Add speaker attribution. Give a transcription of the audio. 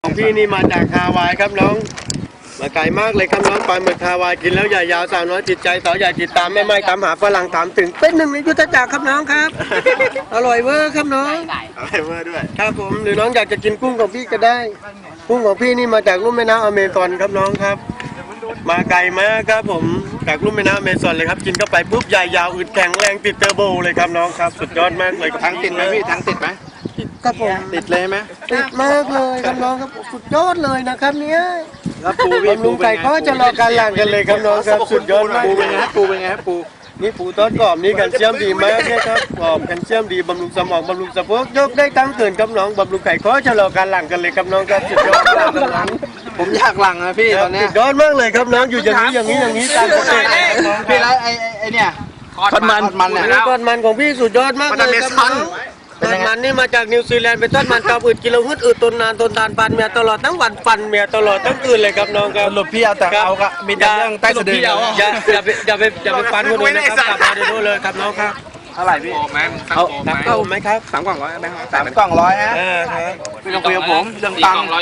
Speaker 1: ของพี่นี่มาจากฮาวายครับน้องมาไกลมากเลยครับน้องปลาหมึกฮาวายกินแล้วใหญ่ยาวสาวน้อยจิตใจต่อใหญ่ติดตามแม่ไม้ตามหาฝรั่งถามถึงเป็นหนึ่งในยุทธจักรครับน้องครับ อร่อยเวอร์ครับน้อง
Speaker 2: อะไรเมื่อด้วย
Speaker 1: ครับผมหรือน้องอยากจะกินกุ้งของพี่ก็ได้กุ้งของพี่นี่มาจากลุ่มแม่น้ำอเมซอนครับน้องครับ มาไกลมากครับผมจากลุ่มแม่น้ำอเมซอนเลยครับกินเข้าไปปุ๊บใหญ่ยาวอึดแข็งแรงติดเทอร์โบเลยครับน้องครับสุดยอดมากเลย
Speaker 2: ทั้งติดไหมพี่ทั้งติดไหม
Speaker 1: ครับผม
Speaker 2: ติดเลยไหม
Speaker 1: ติดมากเลยครับน้องครับสุดยอดเลยนะครับเนี้ย
Speaker 2: แล้วปูพี่
Speaker 1: บำรุงไก่ก็จะรอการหลั่งกันเลยครับน้องครับสุดยอดมาก
Speaker 2: ปูเป็นไงฮะปูเป็นไงฮะปู
Speaker 1: นี่ปูทอดกรอบนี่แคลเซียมดีมากเลยครับกรอบแคลเซียมดีบำรุงสมองบำรุงสะโพกยกได้ทั้งเกินครับน้องบำรุงไก่ก็จะรอการหลั่งกันเลยครับน้องครับสุดยอดมากครับน้อง
Speaker 2: ผมอยากหลังนะพี่ตอนเนี้
Speaker 1: สุ
Speaker 2: ย
Speaker 1: ดยอดมากเลยครับน้องอยู่อย่างนี้ตามสเต็ป
Speaker 2: พี่แล้วไอเนี่ยทอดมันเนี่ย
Speaker 1: ทอดมันของพี่สุดยอดมากเลยครับน้องทอดมันนี่มาจากนิวซีแลนด์เป็นทอดมันกรอบอึดกิโลฮึดอึดทนนานทนทานปันเมียตลอดทั้งวันปันเมียตลอดทั้งคืนเลยครับน้องครับ
Speaker 2: สรุปพี่เอาแต่เอากะมีแต่เรื่องใต้สะดือ
Speaker 1: อย่าไปปันคนอื่นนะครับกลับมาเดี๋ยวนู้นเลยครับน้องครับ
Speaker 2: เท่าไหร่พี่
Speaker 1: เอาไหมครับ
Speaker 2: 3 กล่อง100ไหมครับ3 กล่อง100ฮะ
Speaker 1: ครับ
Speaker 2: ไม่ต้องคุยกับผมเรื่องตังค์